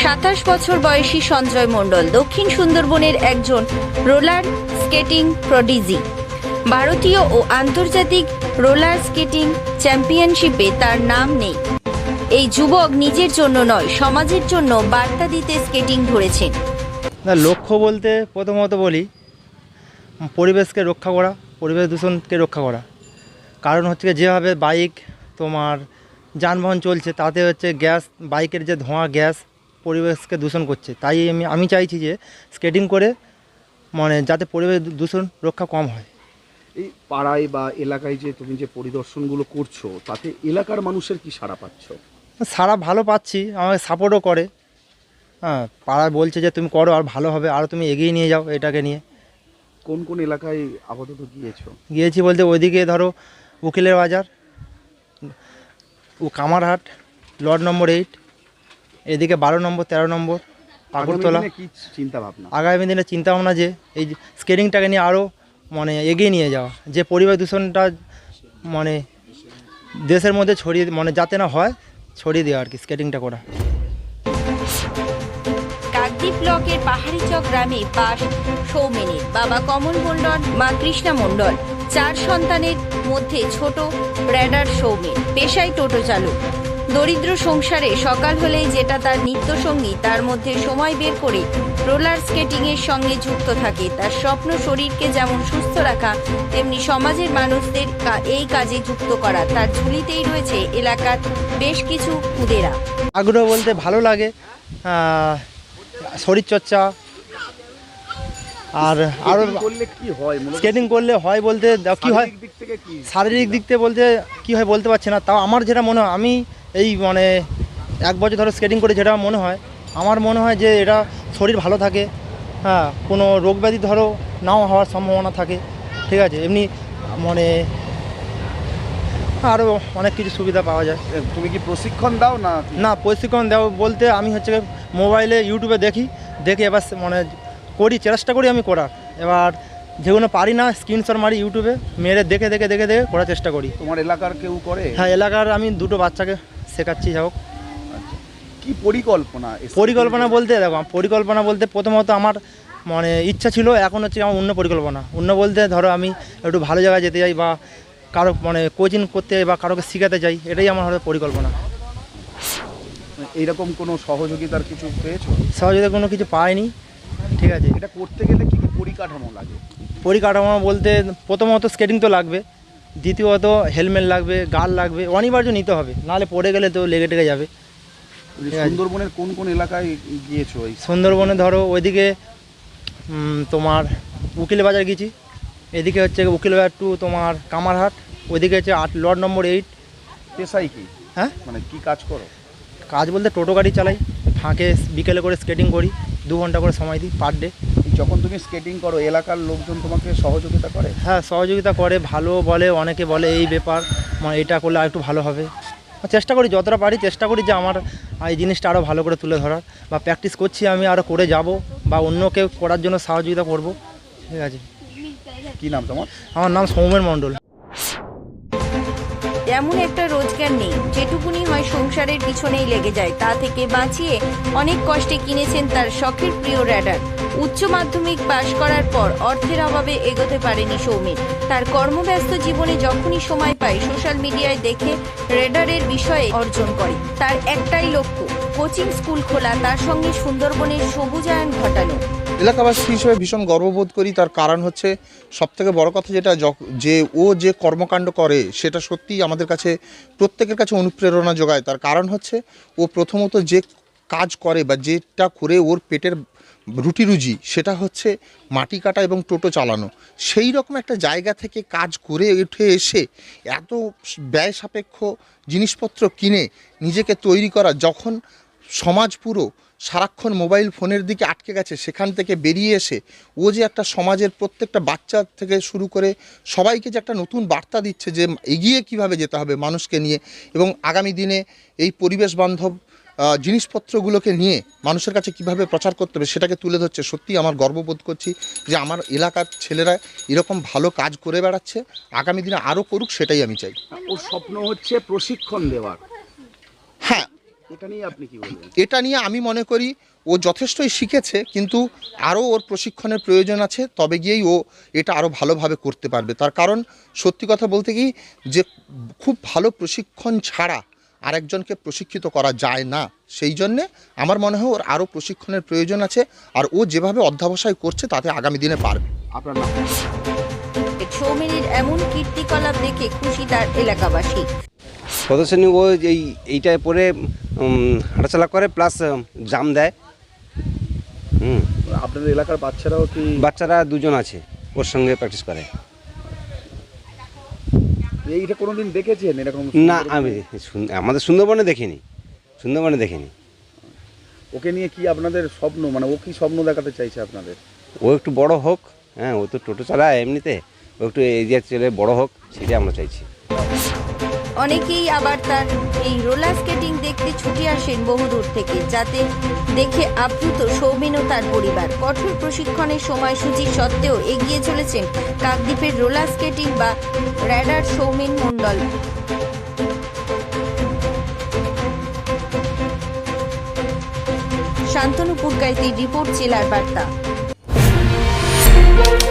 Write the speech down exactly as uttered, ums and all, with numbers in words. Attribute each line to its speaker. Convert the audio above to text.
Speaker 1: সাতাশ বছর বয়সী সঞ্জয় মণ্ডল দক্ষিণ সুন্দরবনের একজন রোলার স্কেটিং প্রডিজি। ভারতীয় ও আন্তর্জাতিক রোলার স্কেটিং চ্যাম্পিয়নশিপে তার নাম নেই। এই যুবক নিজের জন্য নয়, সমাজের জন্য বার্তা দিতে স্কেটিং ধরেছেন।
Speaker 2: না, লক্ষ্য বলতে প্রথমত বলি পরিবেশকে রক্ষা করা, পরিবেশ দূষণকে রক্ষা করা। কারণ হচ্ছে যেভাবে বাইক তোমার যানবাহন চলছে তাতে হচ্ছে গ্যাস, বাইকের যে ধোঁয়া গ্যাস পরিবেশকে দূষণ করছে। তাই আমি আমি চাইছি যে স্কেটিং করে মানে যাতে পরিবেশ দূষণ রক্ষা কম হয়।
Speaker 3: এই পাড়ায় বা এলাকায় যে তুমি যে পরিদর্শনগুলো করছো তাতে এলাকার মানুষের কি সাড়া পাচ্ছ?
Speaker 2: সারা ভালো পাচ্ছি, আমাকে সাপোর্টও করে। হ্যাঁ, পাড়ায় বলছে যে তুমি করো আর ভালো হবে, আরও তুমি এগিয়ে নিয়ে যাও এটাকে নিয়ে।
Speaker 3: কোন কোন এলাকায় আপাতত গিয়েছো?
Speaker 2: গিয়েছি বলতে ওইদিকে ধরো উকিলের বাজার, ও কামারহাট, লর্ড নম্বর এইট, এদিকে বারো নম্বর, তেরো নম্বর, পাকুড়তলা।
Speaker 3: কি চিন্তা ভাবনা?
Speaker 2: আগামী দিনে চিন্তা ভাবনা যে এই স্কেটিংটাকে নিয়ে আরও মানে এগিয়ে নিয়ে যাওয়া, যে পরিবেশ দূষণটা মানে দেশের মধ্যে ছড়িয়ে মানে যাতে না হয় ছড়িয়ে দেওয়া আর কি, স্কেটিংটা করা।
Speaker 1: কাকদ্বীপ ব্লকের পাহাড়িচক গ্রামে বাস সৌমেনের। বাবা কমল মণ্ডল, মা কৃষ্ণা মণ্ডল। চার সন্তানের মধ্যে ছোট র্যাডার সৌমেন, পেশায় টোটো চালক। দরিদ্র সংসারে সকাল হলেই যেটা তার নিত্যসঙ্গী, তার মধ্যে সময় বের করে রোলার স্কেটিং এর সঙ্গে যুক্ত থাকে। তার স্বপ্ন শরীরকে যেমন সুস্থ রাখা, তেমনি সমাজের মানুষদের এই কাজে যুক্ত করা। তার ঝুলিতেই রয়েছে এলাকার বেশ কিছু খুদেরা।
Speaker 2: আগ্রহ বলতে ভালো লাগে, শরীরচর্চা আর আরও
Speaker 3: করলে কি হয়?
Speaker 2: স্কেটিং করলে হয় বলতে কি হয় শারীরিক দিক থেকে বলতে কি হয় বলতে পারছি না। তাও আমার যেটা মনে হয়, আমি এই মানে এক বছর ধরে স্কেটিং করে যেটা মনে হয়, আমার মনে হয় যে এটা শরীর ভালো থাকে। হ্যাঁ, কোনো রোগ ব্যাধি ধরো নাও হওয়ার সম্ভাবনা থাকে। ঠিক আছে, এমনি মানে আরও অনেক কিছু সুবিধা পাওয়া যায়।
Speaker 3: তুমি কি প্রশিক্ষণ দাও না?
Speaker 2: না, প্রশিক্ষণ দাও বলতে আমি হচ্ছে মোবাইলে ইউটিউবে দেখি, দেখে এবার মানে করি, চেষ্টা করি আমি করার। এবার যেগুলো পারি না স্ক্রিনশট মারি ইউটিউবে, মেরে দেখে দেখে দেখে দেখে করার চেষ্টা করি।
Speaker 3: তোমার এলাকার কেউ করে?
Speaker 2: হ্যাঁ, এলাকার আমি দুটো বাচ্চাকে শেখাচ্ছি। যাই হোক,
Speaker 3: কি পরিকল্পনা?
Speaker 2: পরিকল্পনা বলতে দেখো, পরিকল্পনা বলতে প্রথমত আমার মানে ইচ্ছা ছিল, এখন হচ্ছে আমার অন্য পরিকল্পনা। অন্য বলতে ধরো আমি একটু ভালো জায়গায় যেতে চাই বা কারো মানে কোচিং করতে বা কারোকে শেখাতে চাই, এটাই আমার হয়তো পরিকল্পনা।
Speaker 3: এইরকম কোনো সহযোগিতার কিছু পেয়েছো?
Speaker 2: সহযোগিতা কোনো কিছু পাইনি। ঠিক আছে,
Speaker 3: এটা করতে গেলে কি কি পরিকাঠামো লাগে?
Speaker 2: পরিকাঠামো বলতে প্রথমত স্কেটিং তো লাগবে, দ্বিতীয়ত হেলমেট লাগবে, গার্ড লাগবে, অনিবার্য নিতে হবে, নাহলে পড়ে গেলে তো লেগে টেগে যাবে।
Speaker 3: সুন্দরবনের কোন কোন এলাকায় গিয়েছো?
Speaker 2: সুন্দরবনে ধরো ওইদিকে তোমার উকিল বাজার গেছি, এদিকে হচ্ছে উকিল বাজার টু তোমার কামারহাট, ওইদিকে হচ্ছে আট লর্ড নম্বর এইট।
Speaker 3: পেশাই কি?
Speaker 2: হ্যাঁ,
Speaker 3: মানে কি কাজ করো?
Speaker 2: কাজ বলতে টোটো গাড়ি চালাই, ফাঁকে বিকেলে করে স্কেটিং করি, দু ঘন্টা করে সময় দিই পার ডে।
Speaker 3: যখন তুমি স্কেটিং করো এলাকার লোকজন তোমাকে সহযোগিতা করে?
Speaker 2: হ্যাঁ, সহযোগিতা করে, ভালো বলে, অনেকে বলে এই ব্যাপার মানে এটা করলে আর একটু ভালো হবে। চেষ্টা করি যতটা পারি, চেষ্টা করি যে আমার এই জিনিসটা আরও ভালো করে তুলে ধরার, বা প্র্যাকটিস করছি আমি আরও করে যাব বা অন্য কেউ করার জন্য সহযোগিতা করব। ঠিক আছে।
Speaker 3: কি নাম তোমার?
Speaker 2: আমার নাম সৌমেন মণ্ডল।
Speaker 1: এমন একটা রোজগার নেই যেটুকুনি হয় সংসারের পিছনেই লেগে যায়, তা থেকে বাঁচিয়ে অনেক কষ্টে কিনেছেন তার শখের প্রিয় র্যাডার। উচ্চ মাধ্যমিক পাশ করার পর অর্থের অভাবে এগোতে পারেনি সৌমেন। তার কর্মব্যস্ত জীবনে যখনই সময় পায় সোশ্যাল মিডিয়ায় দেখে র্যাডারের বিষয়ে অর্জন করে। তার একটাই লক্ষ্য, কোচিং স্কুল খোলা, তার সঙ্গে সুন্দরবনের সবুজায়ন ঘটানো।
Speaker 4: এলাকাবাসী হিসেবে ভীষণ গর্ববোধ করি। তার কারণ হচ্ছে সবথেকে বড় কথা যেটা, যে ও যে কর্মকাণ্ড করে সেটা সত্যিই আমাদের কাছে প্রত্যেকের কাছে অনুপ্রেরণা যোগায়। তার কারণ হচ্ছে ও প্রথমত যে কাজ করে বা যেটা করে ওর পেটের রুটি রুজি, সেটা হচ্ছে মাটি কাটা এবং টোটো চালানো। সেই রকম একটা জায়গা থেকে কাজ করে উঠে এসে এত ব্যয় সাপেক্ষ জিনিসপত্র কিনে নিজেকে তৈরি করা, যখন সমাজ পুরো সারাক্ষণ মোবাইল ফোনের দিকে আটকে গেছে, সেখান থেকে বেরিয়ে এসে ও যে একটা সমাজের প্রত্যেকটা বাচ্চা থেকে শুরু করে সবাইকে যে একটা নতুন বার্তা দিচ্ছে যে এগিয়ে কিভাবে যেতে হবে মানুষকে নিয়ে, এবং আগামী দিনে এই পরিবেশ বান্ধব জিনিসপত্রগুলোকে নিয়ে মানুষের কাছে কিভাবে প্রচার করতে হবে সেটাকে তুলে ধরছে। সত্যি আমার গর্ববোধ করছি যে আমার এলাকার ছেলেরা এরকম ভালো কাজ করে বেড়াচ্ছে, আগামী দিনে আরও করুক, সেটাই আমি চাই।
Speaker 3: ওর স্বপ্ন হচ্ছে প্রশিক্ষণ দেওয়ার।
Speaker 4: হ্যাঁ,
Speaker 3: এটা নিয়ে আপনি কি বলবেন?
Speaker 4: এটা নিয়ে আমি মনে করি ও যথেষ্টই শিখেছে, কিন্তু আরও ওর প্রশিক্ষণের প্রয়োজন আছে, তবে গিয়েই ও এটা আরও ভালোভাবে করতে পারবে। তার কারণ সত্যি কথা বলতে কি, যে খুব ভালো প্রশিক্ষণ ছাড়া আরেকজনকে প্রশিক্ষিত করা যায় না। সেই জন্যে আমার মনে হয় ওর আরও প্রশিক্ষণের প্রয়োজন আছে, আর ও যেভাবে অধ্যবসায় করছে তাতে আগামী দিনে পারবে।
Speaker 3: আপনার নাম?
Speaker 1: সৌমেনের এমন কীর্তিকলাপ দেখে খুশি তার এলাকাবাসী।
Speaker 5: প্রদর্শনী ও এই এইটায় পরে উম, হাঁটাচলা করে, প্লাস জাম দেয়। হুম,
Speaker 3: আপনাদের এলাকার বাচ্চারাও কি?
Speaker 5: বাচ্চারা দুজন আছে ওর সঙ্গে প্র্যাকটিস করে।
Speaker 3: এইটা কোনোদিন দেখেছেন এরকম?
Speaker 5: না, আমি সুন- আমাদের সুন্দরবনে দেখিনি, সুন্দরবনে দেখিনি।
Speaker 3: ওকে নিয়ে কি আপনাদের স্বপ্ন, মানে ও কি স্বপ্ন দেখাতে চাইছে আপনাদের?
Speaker 5: ও একটু বড় হোক, হ্যাঁ, ও তো টোটো চালায় এমনিতে, ও একটু এরিয়া চলে বড় হোক, সেটাই আমরা চাইছি।
Speaker 1: অনেকেই আবার তার এই রোলার স্কেটিং দেখতে ছুটে আসেন বহুদূর থেকে, যাতে দেখে আপ্লুত সৌমেন ও তার পরিবার। কঠোর প্রশিক্ষণের সময়সূচি সত্ত্বেও এগিয়ে চলেছেন কাকদ্বীপের রোলার স্কেটিং বা র্যাডার সৌমেন মণ্ডল। শান্তনু পুরকাইতির রিপোর্ট, জেলার বার্তা।